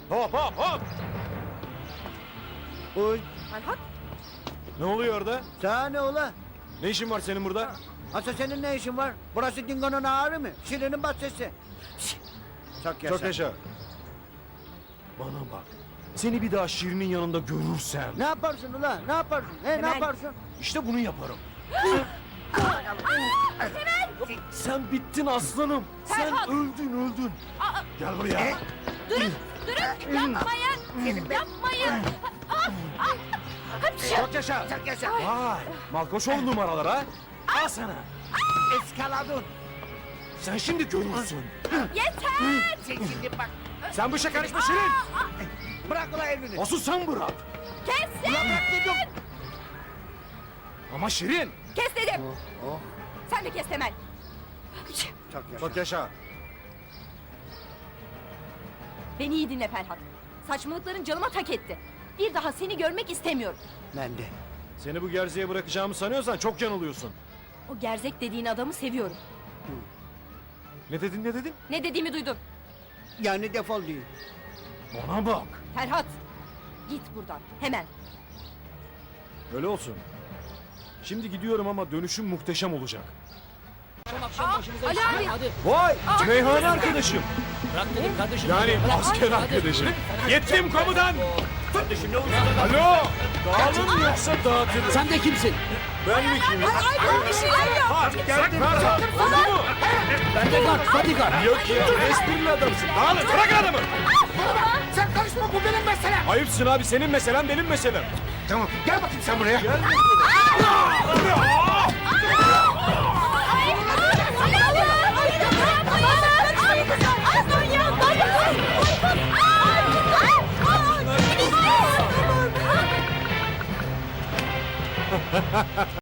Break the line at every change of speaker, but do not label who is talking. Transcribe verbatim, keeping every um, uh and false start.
Hop hop hop!
Oy.
Ferhat,
Ne oluyor orada?
Sana ne ola?
Ne işin var senin burada?
Asa senin ne işin var? Burası Dingo'nun ağrı mı? Şirin'in bahçesi. Şşt! Çok yaşa.
Çok yaşa. Bana bak. Seni bir daha Şirin'in yanında görürsem...
Ne yaparsın ula? Ne yaparsın? He, ne
Hemen.
yaparsın?
İşte bunu yaparım. Sen bittin aslanım. Sen
Ferhat!
öldün öldün. Gel buraya.
durun, durun, yapmayın, yapmayın. Ah, ah, hapşi.
Çok yaşa.
Çok yaşa.
Vay. Malkoçoğlu numaralar ha. Al sana.
Eskaladın.
Sen şimdi görürsün.
Yeter.
Sen şimdi bak.
Sen bu işe karışma Şirin.
Bırak ula elini.
Asıl sen bırak.
Kesin.
Ula bırak dedim.
Ama Şirin.
Kes dedim.
Oh.
Sen de kes Temel.
Çok yaşa.
Çok yaşa.
Beni iyi dinle Ferhat. Saçmalıkların canıma tak etti. Bir daha seni görmek istemiyorum.
Ben de.
Seni bu gerziğe bırakacağımı sanıyorsan çok yanılıyorsun.
O gerzek dediğin adamı seviyorum.
Ne dedin ne dedin?
Ne dediğimi duydun.
Yani defol değil.
Bana bak.
Ferhat, git buradan hemen.
Öyle olsun. Şimdi gidiyorum ama dönüşüm muhteşem olacak.
Ali abi.
Hadi
Vay! Meyhane arkadaşım.
bırak dedim kardeşim.
Yani asker arkadaşım. Yettim komutan. Alo! Dağılın yoksa dağıtırım.
Sen de kimsin?
Ben mi kimim?
Ay bir şeyler yap.
Bak geldim. Ferhat. Oldu mu?
Ben de kar, hadi kar.
Yok ya esprili adamsın. Dağılın bırak adamı.
Sen karışma, bu benim meselem.
Ayıpsın abi senin meselen benim meselem.
Tamam, gel bakayım sen buraya.
Gel.
Ay,